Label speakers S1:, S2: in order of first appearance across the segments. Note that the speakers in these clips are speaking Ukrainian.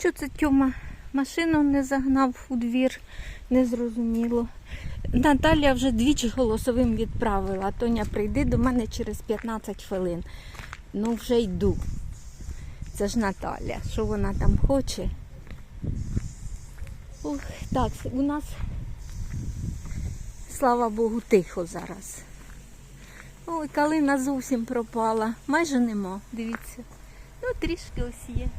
S1: Що це Тьома машину не загнав у двір, незрозуміло. Наталя вже двічі голосовим відправила. Тоня, прийди до мене через 15 хвилин. Ну вже йду. Це ж Наталя. Що вона там хоче? Ох, так, у нас, слава Богу, тихо зараз. Ой, калина зовсім пропала. Майже нема, дивіться. Ну, трішки ось є.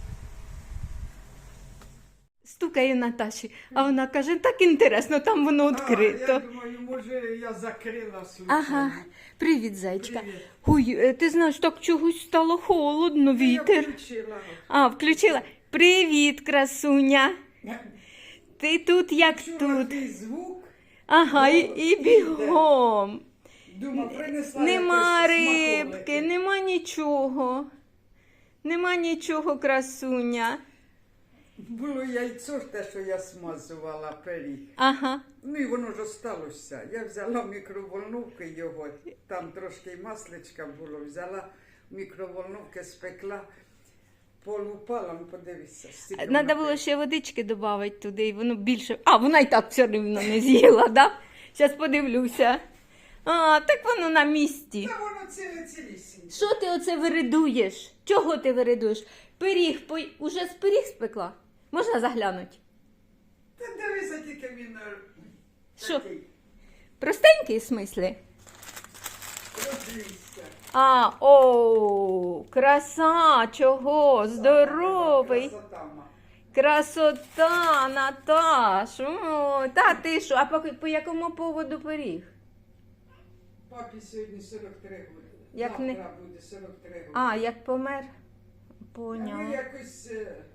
S1: Стукає Наташі, а вона каже, так інтересно, там воно відкрито.
S2: Я думаю, може я закрила случайно.
S1: Ага, привіт, зайчка.
S2: Привіт.
S1: Ой, ти знаєш, так чогось стало холодно, вітер.
S2: Я включила.
S1: А, включила. Привіт, красуня. Ти тут як
S2: Чула
S1: тут?
S2: твій звук,
S1: Ага, і бігом.
S2: думав, принесла
S1: Нема
S2: якось
S1: рибки,
S2: смаколики.
S1: нема нічого. Нема нічого, красуня.
S2: Було яйцо, те, що я смазувала пиріг.
S1: Ага.
S2: Ну і воно ж осталося. Я взяла в мікроволновку його, там трошки й масличка було, взяла в мікроволновку, спекла, полупала, ну подивися. стільки
S1: Треба
S2: воно
S1: було
S2: пише.
S1: ще водички додати туди, і воно більше. А, вона і так все рівно не з'їла, да? Зараз подивлюся. А, так воно на місці.
S2: Та воно цілісіньке.
S1: Що ти оце виридуєш? Чого ти виридуєш? Пиріг, уже з пиріг спекла? Можна заглянути?
S2: Та дивися, тільки він
S1: Що?
S2: такий.
S1: Простенький, в смислі?
S2: Розвівся.
S1: А, о, краса, чого? Здоровий.
S2: Красота, ма.
S1: Красота, Наташ. О, та ти що? А по якому поводу пиріг?
S2: Папі сьогодні 43 роки.
S1: Як
S2: Завтра
S1: не-
S2: буде 43 роки.
S1: А, як помер?
S2: Ми
S1: Поняла.
S2: якось,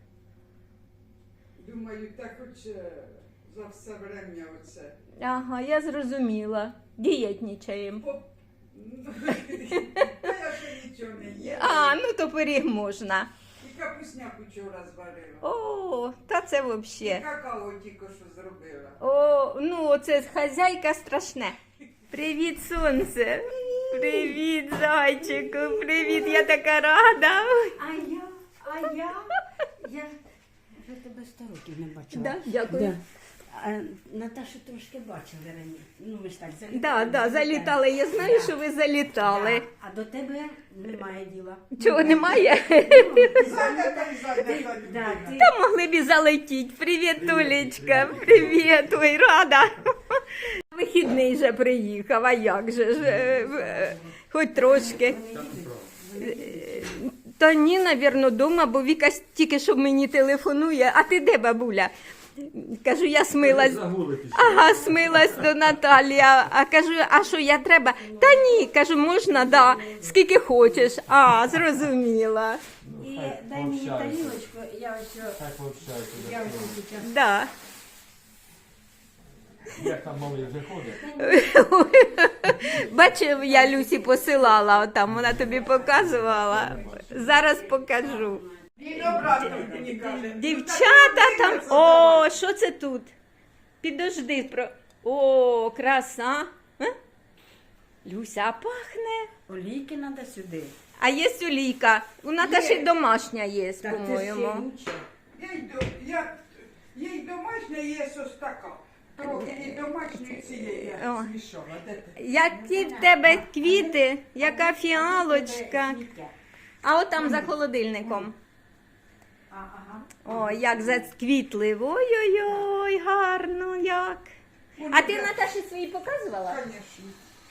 S2: думаю, так хоч за все время оце.
S1: Ага, я зрозуміла. Дієтнічаємо.
S2: Та я ще нічого не їла.
S1: А, ну то пиріг можна.
S2: І капусняку вчора зварила.
S1: О, та це
S2: І
S1: взагалі.
S2: какао тільки що зробила.
S1: О, ну це хазяйка страшне. Привіт, сонце. Привіт, зайчику. Привіт, я така рада.
S3: Я вже тебе 100 років не бачила.
S1: Да, дякую.
S3: Да. А Наташу трошки бачили раніше. Ну, ми ж так залітали.
S1: Да, да, залітали. Я знаю, що ви залітали.
S3: Да. А до тебе немає діла.
S1: Чого немає?
S2: Зайнята і зайнята
S3: Да,
S2: людина.
S3: ти...
S1: Та могли б і залетіти. Привіт, Толечка. Привіт, ой, рада. Вихідний же приїхав, а як же ж? Хоч трошки. Та ні, навірно, дома, бо Віка тільки що мені телефонує. А ти де, бабуля? Кажу, я смилась. Ага, смилась до Наталі. А кажу, а що я треба? Та ні, кажу, можна, да. Скільки хочеш. А, зрозуміла.
S3: І дай мені тарілочку, я ось...
S4: Так пообщаюся.
S3: Я ось зараз...
S1: Да.
S4: Як там малий вже ходить?
S1: Бачив, я Люсі посилала, отам, вона тобі показувала. Зараз покажу.
S2: І обратно мені каже.
S1: Дівчата там. О, що це тут? Підожди. О, краса. А? Люся, а пахне.
S3: Олійки треба сюди.
S1: А є олійка. У Наташі
S2: Є.
S1: домашня є,
S3: Так, це ще
S1: по-моєму.
S3: лучше.
S2: Їй домашня є ось така. Трохи і домашньої цієї
S1: О.
S2: я змішала. Де ти?
S1: Які в тебе квіти, яка фіалочка.
S3: Сміття.
S1: А от там за холодильником.
S3: Ага.
S1: О, як зацквітли. Ой-ой-ой, гарно як. А ти Наташі свої показувала?
S2: Звісно.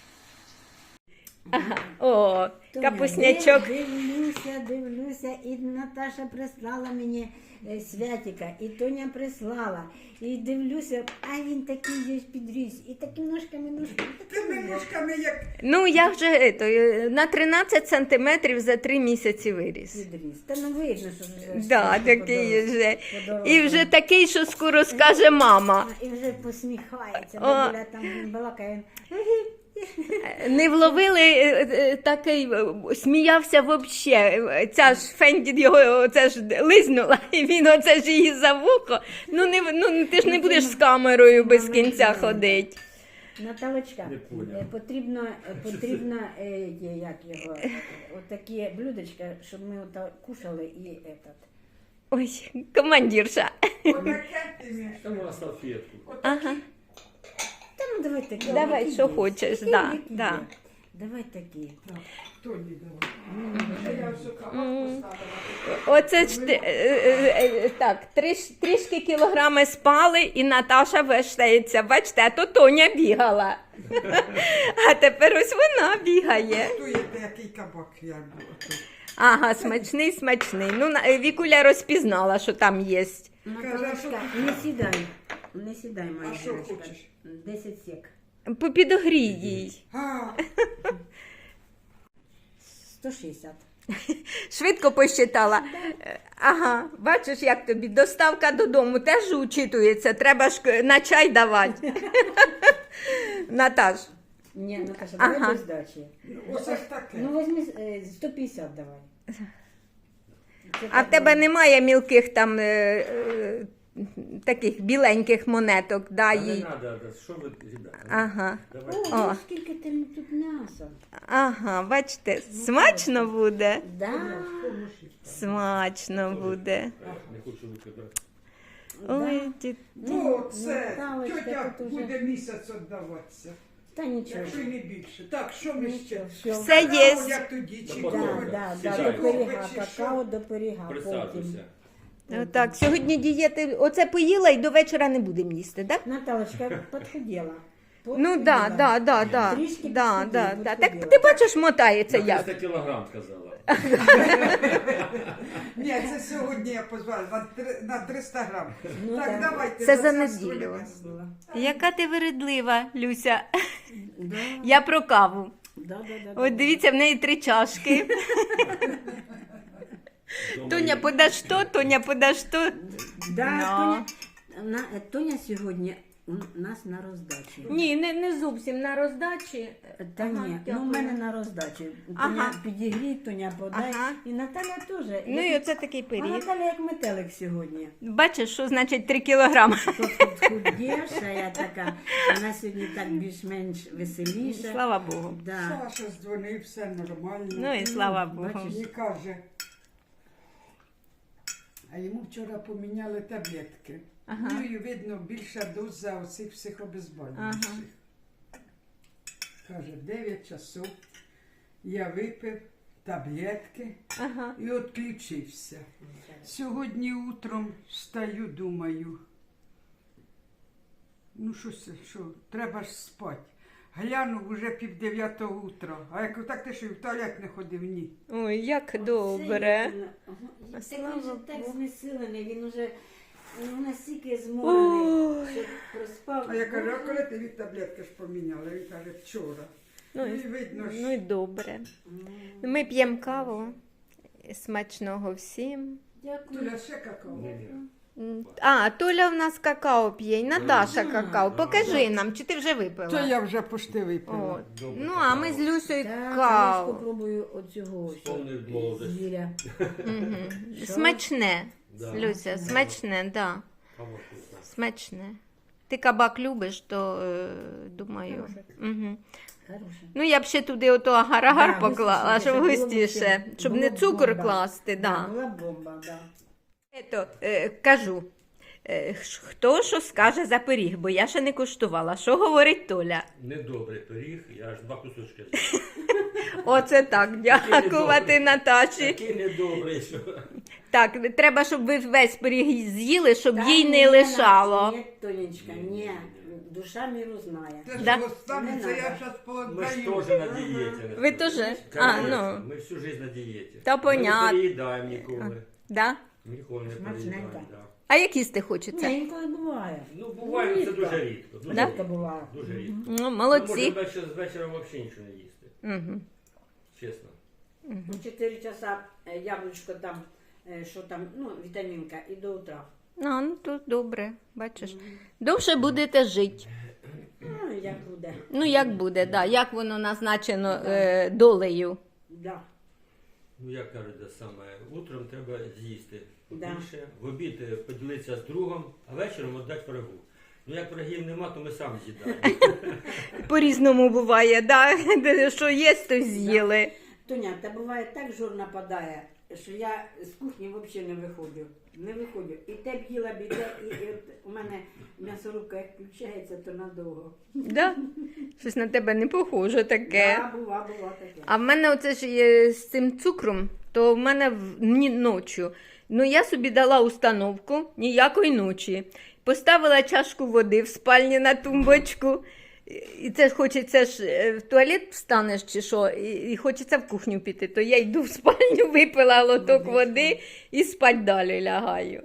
S1: О, капуснячок.
S3: Дивлюся, і Наташа прислала мені святика, і Тоня прислала. І дивлюся, а він такий є підріс, і такими ножками.
S2: Тими ножками як
S1: Ну, я вже на 13 сантиметрів за 3 місяці виріс.
S3: Підріс. Та ну видно, що вже
S1: Да,
S3: що
S1: такий вже.
S3: подорожав.
S1: І вже такий, що скоро скаже мама.
S3: І вже посміхається,
S1: О.
S3: бабуля там він балакає.
S1: Не вловили такий, сміявся взагалі. Ця ж Фенді його оце ж лизнула, і він оце ж її за вухо. Ну ти ж не будеш з камерою без кінця ходити.
S3: Наталочка,
S4: Не поняв.
S3: потрібно як його, отакі блюдечка, щоб ми ото кушали і этот.
S1: Ой, командирша.
S2: Отаке ти мені.
S4: Там на салфетку.
S1: Ага.
S3: Та ну давай такі.
S1: Давай,
S3: які
S1: що
S3: є.
S1: хочеш,
S3: Такі,
S1: да,
S3: які
S1: да.
S3: є. Давай такі.
S2: Тоні давай. Я все кавак поставила.
S1: Оце ж так, трішки кілограми спали, і Наташа вештається. Бачите, а то Тоня бігала. А тепер ось вона бігає.
S2: Готуєте, який кабак я була тут.
S1: Ага, смачний, смачний. Ну, Вікуля розпізнала, що там є.
S3: Наталочка, не сідай. Не сідай, моя
S2: А що
S3: дівчинка.
S2: хочеш?
S3: 10 сек.
S1: Підогрій їй.
S2: А,
S3: 160.
S1: Швидко посчитала. Ага, бачиш, як тобі доставка додому теж учитується. Треба ж на чай давати. Наташ.
S3: Ні, Наташа,
S1: Ага.
S3: давай без здачі.
S2: оце ж таке.
S3: Ну, візьми 150 давай. Це
S1: А в
S3: так,
S1: тебе немає мілких там таких біленьких монеток, да,
S4: Та не
S1: їй.
S4: треба, що ви, ребята?
S1: Ага.
S4: Давайте.
S3: О,
S1: О.
S3: скільки там тут м'яса.
S1: Ага, бачите, смачно буде.
S3: Да.
S1: Смачно буде.
S4: Не хочу викидати.
S1: Ой,
S2: Ну, це
S3: Наталочка,
S2: тьотя
S3: тут уже-
S2: буде місяць віддаватися.
S3: Та нічого.
S2: Якщо й не більше. Так, що ми ще?
S3: Все.
S1: Все
S2: Какао,
S1: є.
S2: як тоді, чи
S4: Да,
S3: Да,
S2: кофе?
S3: да,
S4: Сідай.
S3: да, до пиріга,
S2: Кофе чи
S3: какао
S2: що?
S3: до пиріга. Потім.
S4: Присаджуйся.
S1: Так, сьогодні дієти, оце поїла і до вечора не будемо їсти, так?
S3: Наталочка подхудела.
S1: Ну да, да, да, да.
S3: Трішки
S1: Да,
S3: підсходила,
S1: да, да.
S3: підсходила.
S1: Так ти бачиш, мотається
S4: На
S1: як.
S4: 300 кілограм сказала.
S2: Ні, це сьогодні я позвала на 300 грам.
S3: Ну,
S2: Так,
S3: так.
S2: давайте.
S1: Це за
S2: царство
S1: неділю.
S2: небесне.
S1: Яка ти вередлива, Люся.
S3: Да,
S1: Я про каву.
S3: да, да,
S1: От дивіться, в неї 3 чашки. Тоня, подаш то, Тоня, подаш то.
S3: Да,
S1: Ну.
S3: Тоня сьогодні у нас на роздачі.
S1: Ні, не зовсім на роздачі.
S3: Та
S1: Ага,
S3: ні, ну
S1: дякую.
S3: в мене на роздачі. Тоня
S1: Ага.
S3: підігрій, Тоня подай.
S1: Ага.
S3: І Наталя теж.
S1: Ну і оце такий
S3: А
S1: пиріг.
S3: Наталя як метелик сьогодні.
S1: Бачиш, що значить 3 кілограми?
S3: Худіша, я така. Вона сьогодні так більш-менш веселіша.
S1: Слава Богу.
S3: Да.
S2: Саша дзвонив, все нормально.
S1: Ну і слава Богу.
S3: Бачиш.
S2: І каже, а йому вчора поміняли таблетки.
S1: Ага.
S2: Ну і видно, більша доза оцих психобезболюючих.
S1: Ага.
S2: Каже, 9 часов я випив таблетки
S1: Ага.
S2: і відключився. Сьогодні утром встаю, думаю, ну що, треба ж спати. Глянув уже 8:30 утра. А я кажу, так ти що і в туалет не ходив? Ні.
S1: Ой, як добре.
S3: Так
S1: Слава
S3: він же так
S1: Богу.
S3: знесилений, він уже настільки зморений,
S1: Ой.
S3: що проспав.
S2: А я кажу, а коли ти від таблетки ж поміняла? Він каже, вчора.
S1: Ну,
S2: Ну і видно,
S1: Ну і добре. Ми п'ємо каву. Смачного всім.
S3: Дякую.
S2: Туля ще какао.
S1: А, Толя в нас какао п'є, і Наташа какао. Покажи нам, чи ти вже
S2: Це
S1: випила?
S2: я вже пошти випила.
S1: От.
S4: Добре,
S1: Ну, а ми з Люсею
S3: Так, а я ж
S1: каву.
S3: попробую оцього ось.
S4: Вспомнив молодость.
S3: Звіря.
S1: Мгм. Смачне,
S4: Да.
S1: Люся, смачне, да.
S4: Кава вкусна.
S1: Смачне. Ти кабак любиш, то думаю.
S3: Хороше.
S1: Угу.
S3: Хороше.
S1: Ну, я б ще туди ото агар-агар
S3: Да,
S1: поклала,
S3: густіше,
S1: щоб
S3: було б
S1: густіше,
S3: ще-
S1: щоб
S3: було
S1: не
S3: б
S1: цукор
S3: бомба.
S1: класти. Да.
S3: Була б бомба, да.
S1: Ето, кажу, хто що скаже за пиріг, бо я ще не куштувала. Що говорить Толя?
S4: Недобрий пиріг, я аж 2 кусочки з'їв.
S1: Оце так, дякувати
S4: недобрий.
S1: Наташі.
S4: Такий недобрий, що...
S1: Так, треба, щоб ви весь пиріг з'їли, щоб
S3: Та
S1: їй
S3: ні,
S1: не лишало.
S3: Ні, Тонечка, ні. Душа міру знає.
S2: Це ж
S1: Да.
S2: останеться,
S3: Не
S2: я
S3: надо.
S2: зараз
S4: Ми ж
S2: пооддаю.
S4: теж на дієті.
S1: Ви теж? А, ну.
S4: Ми всю життя на дієті.
S1: Та
S4: Ми
S1: понятно.
S4: не переїдаємо ніколи.
S1: Да?
S4: Ніколи не
S3: Смачненько.
S4: переїдаємо. Да.
S1: А як їсти хочеться?
S3: Ні, інколи буває.
S4: Ну, буває, це дуже рідко. Дуже
S1: Да?
S3: Рідко буває.
S4: Дуже рідко.
S1: Ну,
S4: Ми
S1: молодці.
S4: можемо з вечора взагалі нічого не їсти.
S1: Угу.
S4: Чесно.
S3: У 4 часа яблучко там, що там, ну, вітамінка, і до утра.
S1: Ну, тут добре, бачиш. Довше будете жити.
S3: Ну, як буде.
S1: Ну, як буде, да. Як воно назначено долею.
S3: Да.
S4: Ну, як кажуть, те саме, утром треба з'їсти
S3: Да.
S4: побільше, в обід поділитися з другом, а вечором віддати врагу. Ну, як врагів нема, то ми самі з'їдаємо.
S1: По-різному буває, да? Що є, то з'їли.
S3: Тоня, та буває так жор нападає, що я з кухні взагалі не виходжу. Не виходжу. І те б їла б іде, і от у мене м'ясорубка як включається, то надовго.
S1: Да? Щось на тебе не похоже таке.
S3: Да, бува таке.
S1: А в мене оце ж є з цим цукром, то в мене ночі. Ну, я собі дала установку ніякої ночі. Поставила чашку води в спальні на тумбочку. І це ж хочеться ж в туалет встанеш чи що, і хочеться в кухню піти. То я йду в спальню, випила лоток води і спать далі лягаю.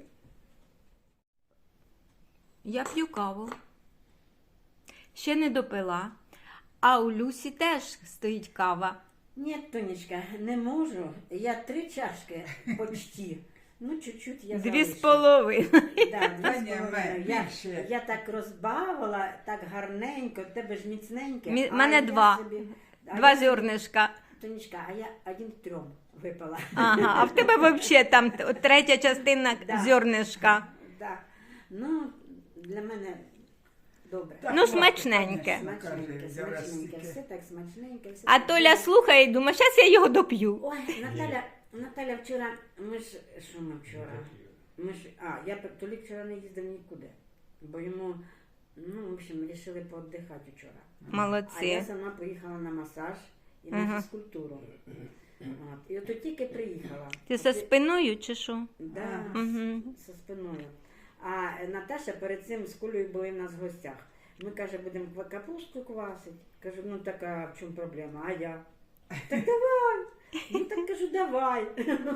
S1: Я п'ю каву. Ще не допила. А у Люсі теж стоїть кава.
S3: Ні, Тонечка, не можу. Я 3 чашки почти. Ну, чуть-чуть я залишу.
S1: 2,5.
S3: Да,
S2: Та ні,
S3: 2,5.
S2: більше.
S3: Я так розбавила, так гарненько, в тебе ж міцненьке.
S1: Мене
S3: я
S1: 2.
S3: собі- а
S1: 2
S3: я собі-
S1: зернишка.
S3: Тонечка, а я 1 к 3 випила.
S1: Ага, а в тебе взагалі там третя частина
S3: Да.
S1: зернишка.
S3: Да. Ну, для мене добре.
S2: Так,
S1: Ну,
S2: ладно,
S1: смачненьке.
S2: конечно,
S3: Смачненьке,
S2: каже,
S3: смачненьке,
S2: Яростики.
S3: все так смачненьке. Все
S1: А
S3: так
S1: Толя
S3: добре.
S1: слухає і думає, зараз я його доп'ю.
S3: Ой, Наталя вчора, ми ж, що ми вчора? Толік вчора не їздив нікуди, бо йому, ну, в общем, вирішили поотдихати вчора. А я
S1: Молодці.
S3: сама поїхала на масаж і на
S1: Ага.
S3: фізкультуру. От. І от тільки приїхала.
S1: Ти за спиною чи що?
S3: Да,
S1: Угу.
S3: зі спиною. А Наташа перед цим з Колею були в нас в гостях. Ми, каже, будемо капусту квасити. Кажу, ну така, в чому проблема? А я? Так давай. Ну так кажу, давай.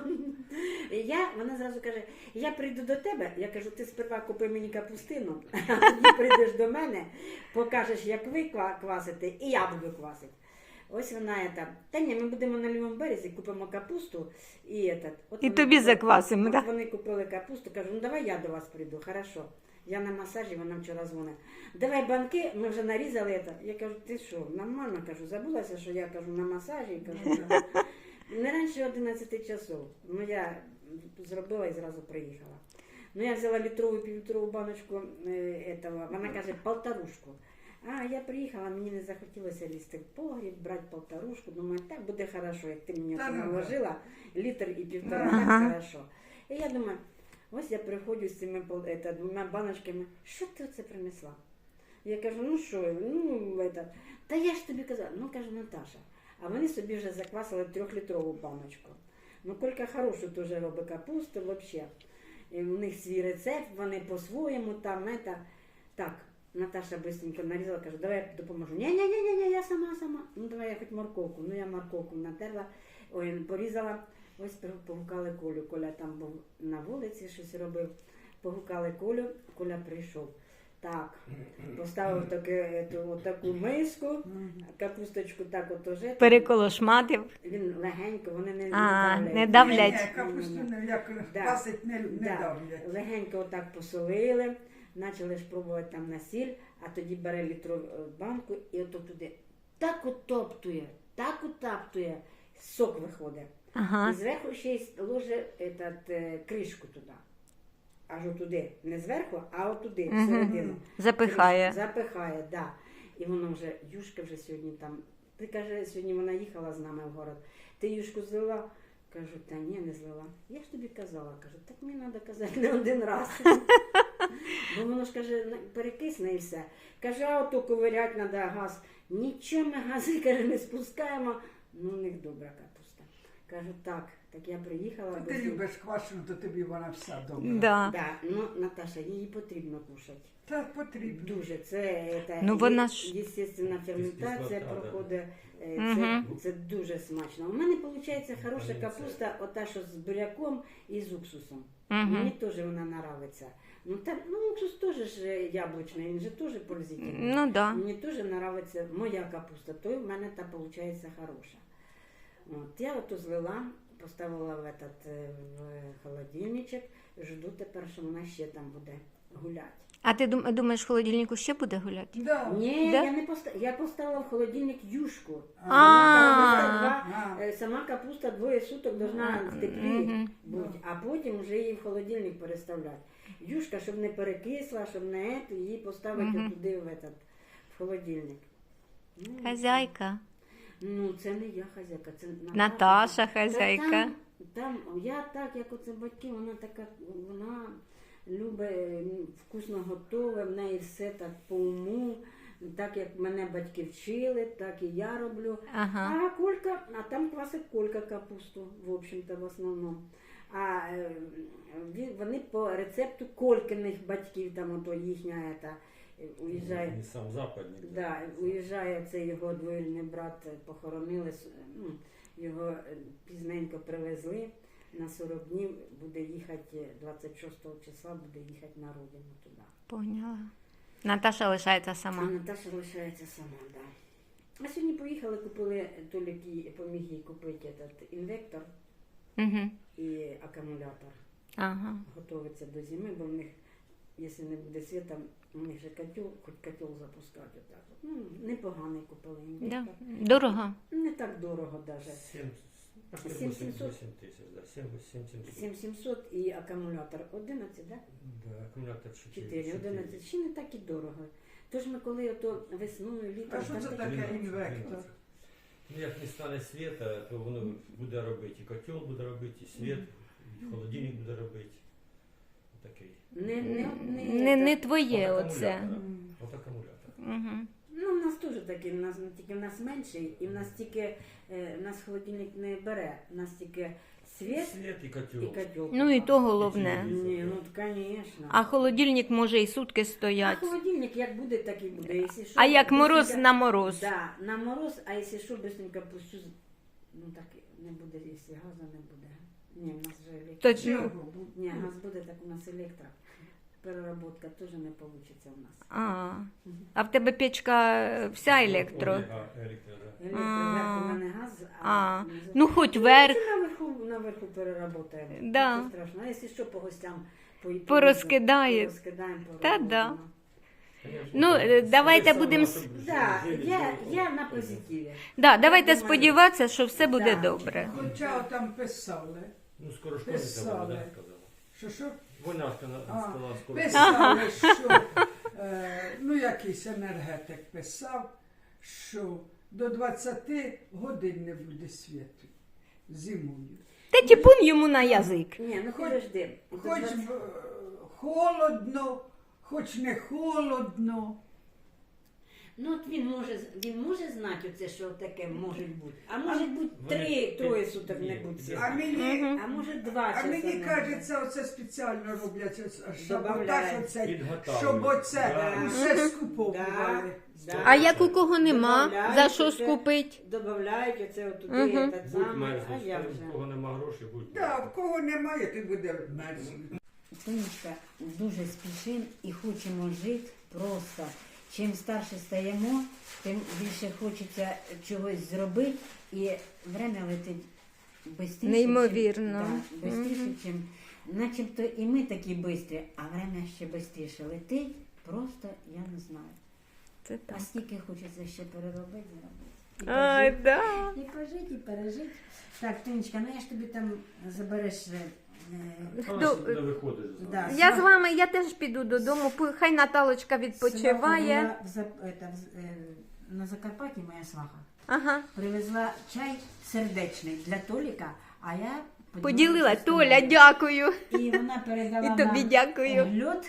S3: Вона зразу каже, я прийду до тебе. Я кажу, ти сперва купи мені капустину, а тоді прийдеш до мене, покажеш, як ви квасите, і я буду квасити. Ось вона та ні, ми будемо на лівому березі, купимо капусту і от
S1: І
S3: вони-
S1: тобі заквасимо,
S3: от
S1: так?
S3: вони купили капусту, кажу, ну давай я до вас прийду, хорошо. Я на масажі, вона вчора дзвонить. Давай банки, ми вже нарізали це. Я кажу, ти що, нормально, кажу, забулася, що я кажу на масажі, кажу, не раніше 11 часов. Ну я зробила і зразу приїхала. Ну я взяла літрову, півлітрову баночку этого, вона каже, полторушку. А я приїхала, мені не захотілося лізти в погріб, брати полторушку. Думаю, так буде хорошо, як ти мені
S2: Та
S3: це
S2: ну да.
S3: наложила, літр і півтора,
S1: Ага.
S3: так хорошо. І я думаю, ось я приходжу з цими 2 баночками, що ти оце принесла? Я кажу, ну що, та я ж тобі казала, ну кажу, Наташа, а вони собі вже заквасили 3-літрову баночку. Ну, Колька хорошу теж робить капусту, взагалі. І в них свій рецепт, вони по-своєму там, так. Наташа быстренько нарізала, каже, давай я допоможу. Ні, я сама. Ну давай я хоч морковку. Ну я морковку натерла, порізала. Ось погукали Колю. Коля там був на вулиці, щось робив. Погукали Колю, Коля прийшов. Так, поставив таку миску, капусточку так от уже.
S1: Переколошматив.
S3: Він легенько, вони не
S1: Не
S2: Ні,
S1: давлять.
S2: ні, капусту як
S3: Да.
S2: квасить не
S3: Да.
S2: давлять.
S3: Легенько отак посолили, почали ж пробувати там на сіль, а тоді бере літрову банку і ото туди так утаптує, сок виходить.
S1: Ага.
S3: І зверху ще й ложе кришку туди. Аж отуди. Не зверху, а отуди,
S1: Мгм.
S3: всередину.
S1: Запихає.
S3: Запихає, так. Да. І воно вже, Юшка вже сьогодні там. Ти каже, сьогодні вона їхала з нами в город. Ти Юшку злила? Кажу, та ні, не злила. Я ж тобі казала, кажу, так мені треба казати не один раз. Бо воно ж каже, перекисне і все. Каже, а ото ковирять треба газ. Нічого ми гази, каже, не спускаємо. Ну, у них добра капуста. Кажу, так я приїхала.
S2: Ти любиш квашену, то тобі вона вся добра.
S1: Да.
S3: Да, ну, Наташа, її потрібно кушати.
S2: Так потрібно.
S3: Дуже. Це
S1: Ну, вона ж-
S3: естественна ферментація
S4: Кислота, да.
S3: проходить.
S1: Мгм.
S3: Це дуже смачно. У мене виходить хороша капуста, ота, що з буряком і з уксусом.
S1: Мгм.
S3: Мені теж вона подобається. Ну, уксус теж ж яблучний, він же теж пользительний.
S1: Ну да.
S3: Мені теж подобається моя капуста, то й в мене та виходить хороша. От, я ото злила, поставила в холодильничок, жду тепер, що вона ще там буде гуляти.
S1: А ти думаєш, в холодильнику ще буде гуляти?
S2: Да.
S3: Ні,
S1: Да?
S3: я поставила в холодильник юшку.
S1: А.
S3: Сама капуста 2 суток должна в теплі
S1: Мгм.
S3: бути, а потім вже її в холодильник переставляти. Юшка, щоб не перекисла, щоб не її поставити
S1: Мгм.
S3: туди в холодильник. Ну,
S1: Хазяйка.
S3: Ну, це не я хазяйка, це
S1: Наташа хазяйка.
S3: Та там Там я так, як оце батьки, вона така, вона любить вкусно готове, в неї все так по уму, так як мене батьки вчили, так і я роблю.
S1: Ага.
S3: А Колька, а там квасить Колька капусту, в общем-то, в основному. А вони по рецепту Колькиних батьків, там ото їхня уїжджає.
S4: Не сам западник.
S3: Да, уїжджає цей його двоюрідний брат, похоронили, ну, його пізненько привезли. На 40 днів буде їхати, 26 числа буде їхати на родину туди.
S1: Поняла. Наташа лишається
S3: А
S1: сама.
S3: Наташа лишається сама, так. Да. А сьогодні поїхали, купили, Толік їй поміг їй купити этот інвектор
S1: Угу.
S3: і акумулятор.
S1: Ага.
S3: Готовиться до зими, бо в них, якщо не буде світа, у них же котел, хоч котел запускати отак. Ну, непоганий купили інвектор.
S1: Да. Дорого.
S3: Не так дорого навіть.
S4: 700 тисяч, да, 7700.
S3: 7700 і акумулятор 11, да?
S4: Да, акумулятор
S3: 4, 11. Ще не так і дорого. Тож ми коли ото весною, літом...
S2: А що
S3: там
S2: це
S3: такі-
S2: таке інвектор?
S4: Ну, як не стане світа, то воно буде робити. І котел буде робити, і світ, і холодильник буде робити. Отакий.
S1: Не твоє
S4: От
S1: оце.
S4: акумулятора. От акумулятор.
S1: Угу.
S3: Ну, в нас теж такий, тільки в нас менший, і в нас тільки, в нас холодильник не бере, в нас тільки світ
S4: Світ і котел.
S3: і котел.
S1: Ну і то головне.
S3: Ні, ну, звісно.
S1: А холодильник може і сутки
S3: А
S1: стоять.
S3: холодильник як буде, так і буде. Якщо що,
S1: А як мороз
S3: быстренько-
S1: на мороз.
S3: Да, на мороз, а якщо що, быстренько пущу, ну так не буде, якщо газу не буде. Ні, у нас вже електро.
S1: Точно.
S3: Ні, газ буде, так у нас електро. Переработка теж не вийде у нас.
S1: А в тебе печка вся електро.
S4: Електро, да.
S3: Електро, у мене газ,
S1: А,
S3: внизу-
S1: ну хоч верх.
S3: Наверху переработаємо.
S1: Да.
S3: Нічого страшного. А якщо що, по гостям
S1: Порозкидає.
S3: порозкидаємо,
S1: Та
S3: поробимо.
S1: да. Ну, давайте будемо
S3: Да, я на позитиві.
S1: Да, давайте
S3: Я думаю,
S1: сподіватися, що все буде
S3: да.
S1: добре.
S2: Хоча там писали.
S4: Ну, скоро школи
S2: Писали.
S4: вона сказала.
S2: Що?
S4: Вона сказала, скоро.
S2: Писали, що ну якийсь енергетик писав, що до 20 годин не буде світу зимою.
S1: Та тіпун йому на язик.
S3: Ні, ну
S2: Хоч-
S3: подожди.
S2: Хоч холодно, хоч не холодно.
S3: Ну от він може знати оце, що таке може бути. А може бути
S4: Вони-
S3: троє суток не буде.
S2: А
S3: світу.
S2: мені,
S3: А може 2
S2: а
S3: часа.
S2: мені
S3: не буде.
S2: кажеться, оце спеціально роблять саботаж,
S3: Добавляють.
S2: оцей,
S4: Підготавлюють.
S2: щоб оце
S4: Да.
S2: все скуповували.
S3: Да.
S1: А як у кого нема,
S3: Добавляють
S1: за що
S3: оце.
S1: скупить?
S3: Добавляють оце отуди,
S1: Мгм.
S3: этот
S4: Будь
S3: самий, а
S4: мерзнуть,
S3: я
S4: у
S3: вже.
S4: кого нема грошей, будь
S2: Да, в кого немає, ти буде мерзнути.
S3: Тонечка, дуже спішимо і хочемо жити просто. Чим старше стаємо, тим більше хочеться чогось зробити, і время летить швидше.
S1: Неймовірно.
S3: Да, швидше, чим начебто і ми такі швидкі, а время ще швидше летить, просто я не знаю.
S1: Це так.
S3: А скільки хочеться ще переробити, зробити. І
S1: Ай,
S3: пожити,
S1: да.
S3: і пожити, і пережити. Так, Тонечка, ну я ж тобі там забереш.
S4: Вона сюди виходить.
S3: Да.
S1: Я з вами, я теж піду додому, хай Наталочка відпочиває.
S3: Сваха була на Закарпатті моя сваха.
S1: Ага.
S3: Привезла чай сердечний для Толіка, а я
S1: Поділила.
S3: з
S1: Толя,
S3: тобою.
S1: дякую.
S3: І вона передала
S1: І тобі
S3: нам
S1: дякую.
S3: льод.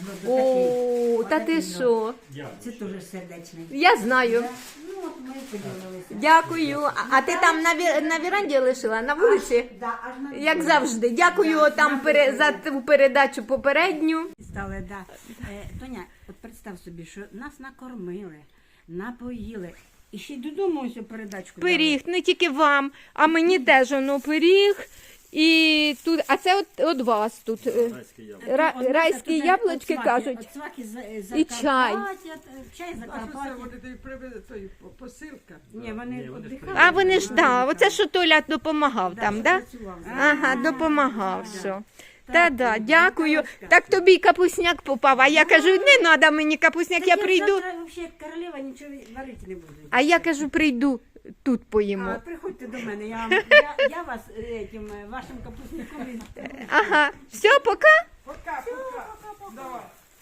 S1: О, та ти що?
S3: Це теж сердечний.
S1: Я знаю.
S3: Да. Ну, от ми поділилися.
S1: Дякую. А ти там на віранді лишила, на вулиці?
S3: Да, аж на
S1: Як
S3: дворі.
S1: завжди. Дякую
S3: Да,
S1: там
S3: на
S1: за
S3: дворі.
S1: ту передачу попередню.
S3: Стали, да. Тоня, от представ собі, що нас накормили, напоїли. І ще й додому ось передачку.
S1: Пиріг, не тільки вам, а мені теж воно пиріг. І тут, а це от вас тут. Райські яблучки кажуть.
S3: От сваки
S1: І чай.
S3: Чай
S2: А що це
S3: Закарпаття.
S2: вони тобі привезли, той посилка?
S3: Ні, вони
S4: Ні, вони ж
S3: віддихають.
S1: А вони ж, да, оце що Толя допомагав там,
S3: що
S1: да?
S3: працював.
S1: Ага, допомагав,
S3: да.
S1: все.
S3: Так,
S1: Та-да,
S3: ну,
S1: дякую.
S3: Наталочка.
S1: Так тобі й капусняк попав, а я кажу, не треба мені капусняк,
S3: Так
S1: я прийду.
S3: завтра взагалі як королева нічого варити не буду.
S1: А я кажу, прийду, тут поїмо.
S3: А, приходьте до мене, я вас этим, вашим капустником.
S1: Ага, все, пока.
S2: Пока, пока. Давай.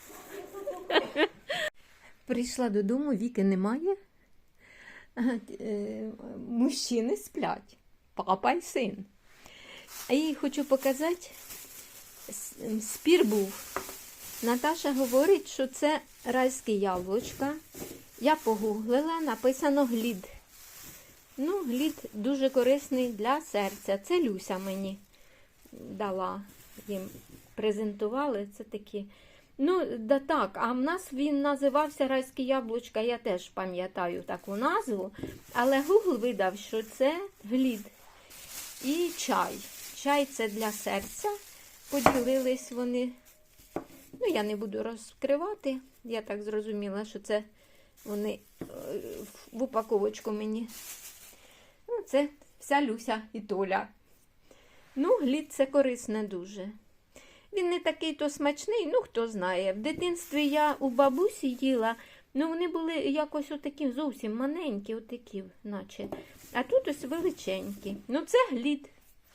S1: Прийшла додому, Віки немає. Мужчини сплять, папа й син. І хочу показати, спір був. Наташа говорить, що це райське яблучка. Я погуглила, написано глід. Ну, глід дуже корисний для серця. Це Люся мені дала, їм презентували. Це такі. Ну, да так, а в нас він називався райське яблучка, я теж пам'ятаю таку назву. Але Google видав, що це глід. І чай. Чай це для серця. Поділились вони. Ну, я не буду розкривати. Я так зрозуміла, що це вони в упаковочку мені. Ну, це вся Люся і Толя. Ну, глід це корисне дуже. Він не такий то смачний, ну, хто знає. В дитинстві я у бабусі їла, ну, вони були якось отакі зовсім маленькі, отакі, наче. А тут ось величенькі. Ну, це глід.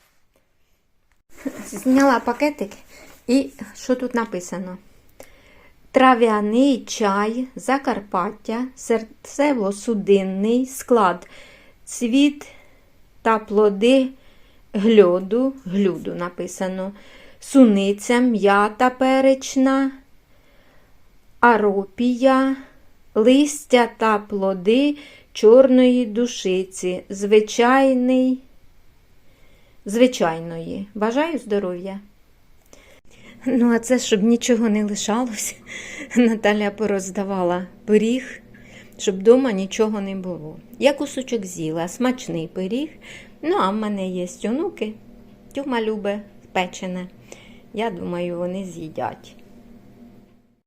S1: Зняла пакетик і що тут написано? Трав'яний чай, Закарпаття, серцево-судинний склад, цвіт та плоди глюду написано, суниця, м'ята перечна, аропія, листя та плоди чорної душиці, звичайної. Бажаю здоров'я. Ну, а це, щоб нічого не лишалось, Наталя пороздавала пиріг, щоб вдома нічого не було. Я кусочок з'їла, смачний пиріг. Ну, а в мене є онуки, Тьома любить печене. Я думаю, вони з'їдять.